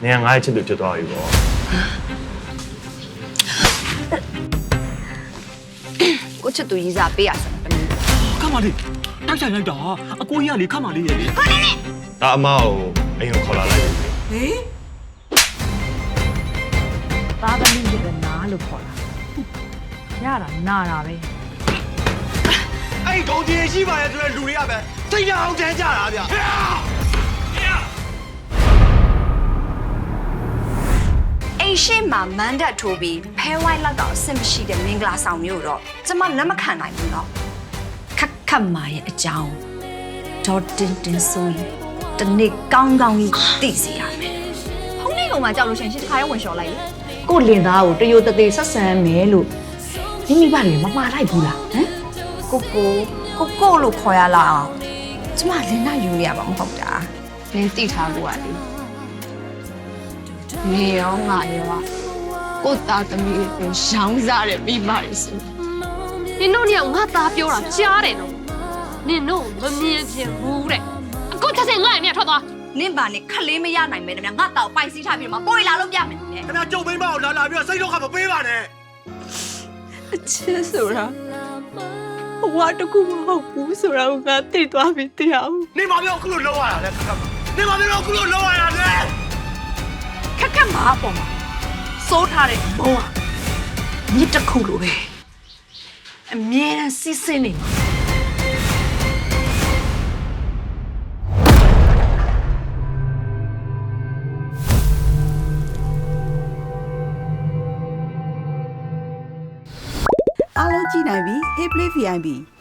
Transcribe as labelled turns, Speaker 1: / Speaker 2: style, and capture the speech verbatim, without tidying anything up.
Speaker 1: နေရာငါ့ရဲ့ချစ်သူဖြစ်သွားပြီပေါ့
Speaker 2: ကိုချစ်သူရေးစားပေးရစမ်းတမီး
Speaker 3: ခမလေးတိုက်ဆိုင်လိုက်တာအကိုကြီးကလေခမလေးရဲ့လေ
Speaker 2: ဟာနေနေ
Speaker 1: ဒါအမကိုအိမ်ကိုခေါ်လာလိုက်ပြီ
Speaker 2: ဟေး
Speaker 4: သားသမီးရဲ့နားလို့ခေါ်တာရတာနာတာပဲ
Speaker 3: အဲ့ဒီကောင်ကြီးရှိပါရဲ့ဆိုတဲ့လူတွေကပဲစိတ်ရအောင်တန်းကြတာဗျာ
Speaker 2: အိမ်ရှိမှာမန်တက်ထိုးပြီးဖဲဝိုင်းလောက်တော့အဆင်မရှိတဲ့မင်္ဂလာဆောင်မျိုးတော့ကျမလက်မခံနိုင်ဘူးတော့ခက်ခက်မာရဲ့အကြောင်းဒေါ်တင်တင်ဆိုရင်တနေ့ကောင်းကောင်းကြီးသိစီရမယ်ဖုန်းလေးကောင်မှကြောက်လို့ရှင်ရှင်းတစ်ခါရဲဝင်လျှော်လိုက်လေ
Speaker 4: ကိုလင်သားကိုတရိုတသေးဆက်ဆံမယ်လို့မိမိဘာတွေမမှားလိုက်ဘူးလားဟမ်
Speaker 2: ကိုကိုကိုကိုလို့ခေါ်ရလားအောင်ကျမလင်းနာယူနေရမှာမဟုတ်တာလင်းသိထားလို့ရတယ်နေရောငါရောကိုသားသမီးကိုရောင်းစားတယ်ပြီးပါလေဆို
Speaker 5: နင်တို့ညငါသားပြောတာကြားတယ်နော်နင်တို့မမြင်ပြင်ဘူးတဲ့အခုချက်စင်ငါ့အမြတ်ထွက်သွား
Speaker 2: နင့်ပါနဲ့ခလေးမရနိုင်မဲတမငါတောက်ပိုက်စီးထားပြီးတော့ပိုးလာလို့ပြမယ်နဲ့
Speaker 3: ခင်ဗျာကြုံမိမကိုလာလာပြီးတော့စိတ်တော့ခမပေးပါနဲ့
Speaker 4: အချစ်ဆိုတာဘဝတကူမဟုတ်ဘူးဆိုတာကိုငါသိသွားပြီတရားဦး
Speaker 3: နေမပြောအခုလို့လောက်ရတာလဲခက်ခက်နေမပြောအခုလို့လောက်ရတာလဲ
Speaker 4: ခက်ခက်မှာအပေါ်မှာစိုးထားတဲ့ဘုံကမြစ်တစ်ခုလိုပဲအမြဲတမ်းစစ်စစ်နေမှာ
Speaker 6: အားလုံးကြည့်နိုင်ပြီ Hey Play ဗီ အိုင် ပီ